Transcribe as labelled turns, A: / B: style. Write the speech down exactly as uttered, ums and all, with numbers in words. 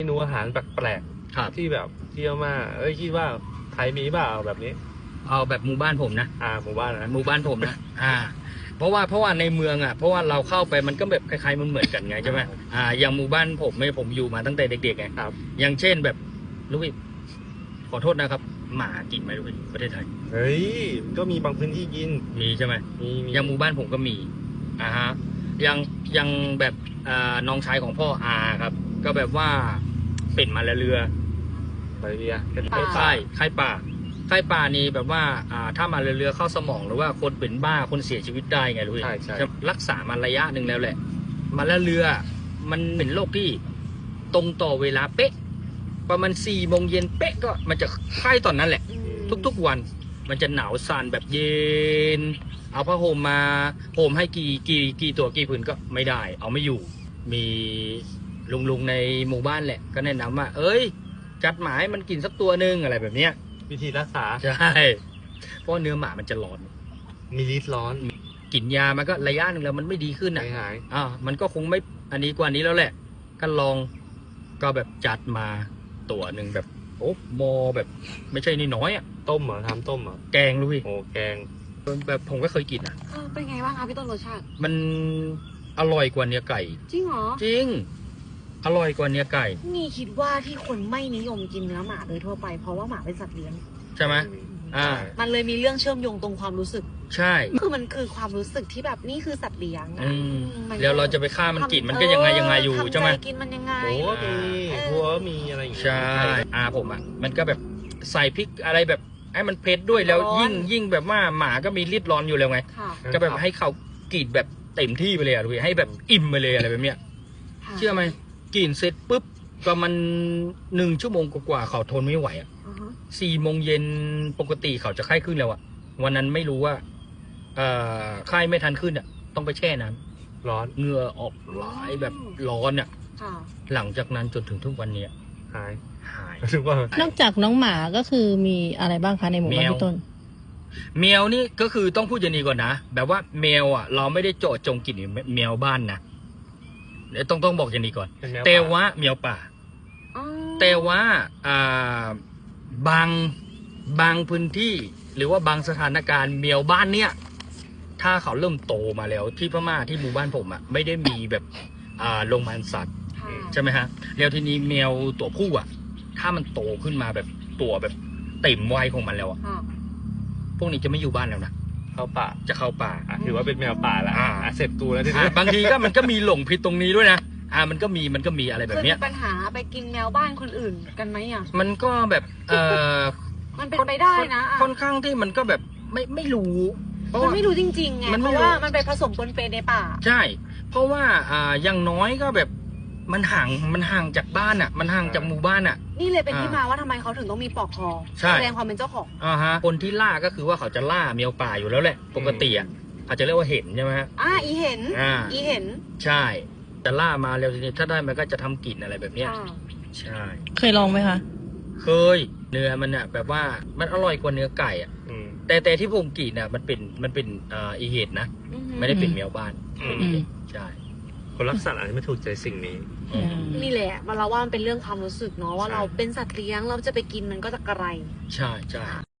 A: เมนูอาหารแปลก
B: ครับ
A: ๆที่แบบเที่ยวมาเอ้ยคิดว่าไทยมีเปล่าแบบนี้
B: เอาแบบหมู่บ้านผมนะ
A: อ่าหมู่บ้านนะ
B: หมู่บ้านผมนะ อ่า เพราะว่าเพราะว่าในเมืองอ่ะเพราะว่าเราเข้าไปมันก็แบบคล้ายๆมันเหมือนกันไงใช่ไหมอ่าอย่างหมู่บ้านผมไม่ผมอยู่มาตั้งแต่เด็กๆไง
A: ครับ
B: อย่างเช่นแบบลูกพี่ขอโทษนะครับ หมากินไหมลูกพี่ประเทศไทย
A: เฮ้ยก็มีบางพื้นที่กิน
B: มีใช่ไหม
A: มีมี
B: อย่างหมู่บ้านผมก็มีอ่าฮะยังยังแบบอ่าน้องชายของพ่ออาครับ ก็แบบว่าเป็นมาละเรือ
A: มาเลเซียเป็น
B: ไข้ไข้ไข้ป่าไข้ป่านี่แบบว่าอ่าถ้ามาเรือๆเข้าสมองหรือว่าคนเป็นบ้าคนเสียชีวิตได้ไงรู้ไหม
A: ใช่ใช่
B: จะรักษามาระยะหนึ่งแล้วแหละ มาเรือมันเป็นโรคที่ตรงต่อเวลาเป๊ะ ประมาณสี่โมงเย็นเป๊ะก็มันจะไข้ตอนนั้นแหละ ทุกๆวันมันจะหนาวสั่นแบบเย็น เอาผ้าห่มมาห่มให้กี่กี่กี่ตัวกี่ผืนก็ไม่ได้ เอาไม่อยู่ มีลุงลุงๆในหมู่บ้านแหละ ก็แนะนำว่า เอ้ย จัดหมาให้มันกินสักตัวหนึ่งอะไรแบบเนี้ย
A: วิธีรักษา
B: ใช่ เพราะเนื้อหมามันจะร้อน
A: มีฤทธิ์ร้อน
B: กินยามันก็ระยะหนึ่งแล้วมันไม่ดีขึ้น
A: หา
B: อ่ะ
A: ยหาย
B: อ่ามันก็คงไม่อันนี้กว่านี้แล้วแหละ ก็ลองก็แบบจัดมาตัวหนึ่งแบบโอ้โมแบบไม่ใช่น้อยๆอ่ะ
A: ต้มเหรอทำต้มเหรอ
B: แกงรู้พี่
A: โอ้แกง
B: แบบผมก็เคยกินอ่ะ
C: เออเป็นไงบ้างคะพี่ต้นรสชาติ
B: มันอร่อยกว่าเนื้อไก่
C: จริงเหรอ
B: จริง อร่อยกว่าเนื้อไก่
C: นี่คิดว่าที่คนไม่นิยมกินเนื้อหมาโดยทั่วไปเพราะว่าหมาเป็นสัตว์เลี้ยง
B: ใช่ไหม อ่า
C: มันเลยมีเรื่องเชื่อมโยงตรงความรู้สึก
B: ใช่
C: คือมันคือความรู้สึกที่แบบนี่คือสัตว์เลี้ยง
B: อื
C: อะ
B: ม
C: มัน
B: แล้วเราจะไปฆ่ามันกินมันก็ยังไงยังไงอยู่
C: ทำ
B: ใช่ไหม
C: กินมันยังไง
A: โอ้มี
C: เออ
A: หัวมีอะไรอย่างเงี้ย
B: ใช่อาผมอ่ะ มันก็แบบใส่พริกอะไรแบบให้มันเผ็ดด้วยแล้วยิ่งยิ่งแบบว่าหมาก็มีฤทธิ์ร้อนอยู่แล้วไง
C: ค่ะ
B: ก็แบบให้เขากรีดแบบเต็มที่ไปเลยอะดูให้แบบอิ่มไปเลยอะไรแบบเนี้ย
C: ค่ะ
B: เชื่อไหมกรีดเสร็จปุ๊บก็มันหนึ่งชั่วโมงกว่าๆเขาทนไม่ไหวอ่ะ
C: อือฮะ
B: สี่โมงเย็นปกติเขาจะไข้ขึ้นแล้วอ่ะวันนั้นไม่รู้ว่าเอ่อไข้ไม่ทันขึ้นอ่ะต้องไปแช่น้ำ
A: ร้อน
B: เหงื่อออกไหลายแบบร้อนอ่ะ
C: ค่ะ
B: หลังจากนั้นจนถึงทุกวันเนี้ย
A: หาย
B: หาย
A: ถึงว่าน
D: อกจากน้องหมาก็คือมีอะไรบ้างคะในหมู่บ้าน
B: แมว
D: พี่ต้น
B: แมวนี่ก็คือต้องพูดอย่างนี้ก่อนนะแบบว่าแมวอ่ะ เราไม่ได้เจาะจงกินแมวบ้านนะเดี๋ยวต้องต้องบอกอย่างนี้ก่อน
A: เป็นแมว
B: แต่
A: ป่า
B: ว่าแมวป่า
C: อ๋อ
B: แต่ว่าอ่าบางบางพื้นที่หรือว่าบางสถานการณ์แมวบ้านเนี่ยถ้าเขาเริ่มโตมาแล้วที่พม่าที่หมู่บ้านผมอ่ะไม่ได้มีแบบอ่าโรงพยาบาลสัตว์
C: ค่ะ
B: ใช่ไหมฮะแล้วทีนี้แมวตัวผู้อ่ะ ถ้ามันโตขึ้นมาแบบตัวแบบเต็มวัยของมันแล้วอ่ะ
C: ค่ะ
B: พวกนี้จะไม่อยู่บ้านแล้วนะ
A: เข้าป่า
B: จะเข้าป่า
A: อ่ะถือว่าเป็นแมวป่าละ
B: อ่า
A: อ่ะเสร็จกูแล้วที
B: อ่ะ
A: นี้
B: บางทีก็มันก็มีหลงผิดตรงนี้ด้วยนะอ่ามันก็มีมันก็มีอะไรแบ
C: เค
B: บ
C: ย
B: เนี้
C: มี
B: ย
C: ปัญหาไปกินแมวบ้านคนอื่นกันไหมอ่ะ
B: มันก็แบบเอ่อ
C: มันเป็นไปได้นะอ่ะ
B: ค่อนข้างที่มันก็แบบไม่ไม่รู้เพราะ
C: มัน
B: ว่า
C: ไม่รู้จริงๆไง
B: มัน
C: เพ
B: ไม่
C: ราะ
B: รู้
C: ว่ามันไปผสมปนเปในป่า
B: ใช่ เพราะว่าอ่าอย่างน้อยก็แบบมันห่างมันห่างจากบ้านอ่ะ มันห่างจากหมู่บ้านอ่ะ
C: นี่เลยเป็นที่
B: อ่าม
C: มาว่าทำไมเขาถึงต้องมีปลอกคอ
B: ใช่
C: แสดงความเป็นเจ้าของ
B: อ่าฮะคนที่ล่าก็คือว่าเขาจะล่าแมวป่าอยู่แล้วแหละ ปกติอ่ะอาจจะเรียกว่าเห็นใช่ไหมฮะ
C: อ่าอีเห็น
B: อ่า
C: อีเห็น
B: ใช่จะล่ามาแล้วทีนี้ถ้าได้มันก็จะทำกลิ่นอะไรแบบเนี้ย
C: อ่า
B: ใช่
D: เคยลองไหมคะ
B: เคยเนื้อมันอ่ะแบบว่ามันอร่อยกว่าเนื้อไก่อ่ะ
A: อืม
B: แต่แต่ที่ผมกินอ่ะมันเป็นมันเป็นอ่าอีเห็ดนะ
C: อือหือ
B: ไม่ได้เป็นแมวบ้านเป็นอีเห็ดใช่
A: คนรักสัตว์อาจจะไม่ถูกใจสิ่งนี้
B: อืม
C: นี่แหละเราว่ามันเป็นเรื่องความรู้สึกเนาะว่า
A: ใช่
C: เราเป็นสัตว์เลี้ยงเราจะไปกินมันก็จะกระไร
B: ใช่ใช่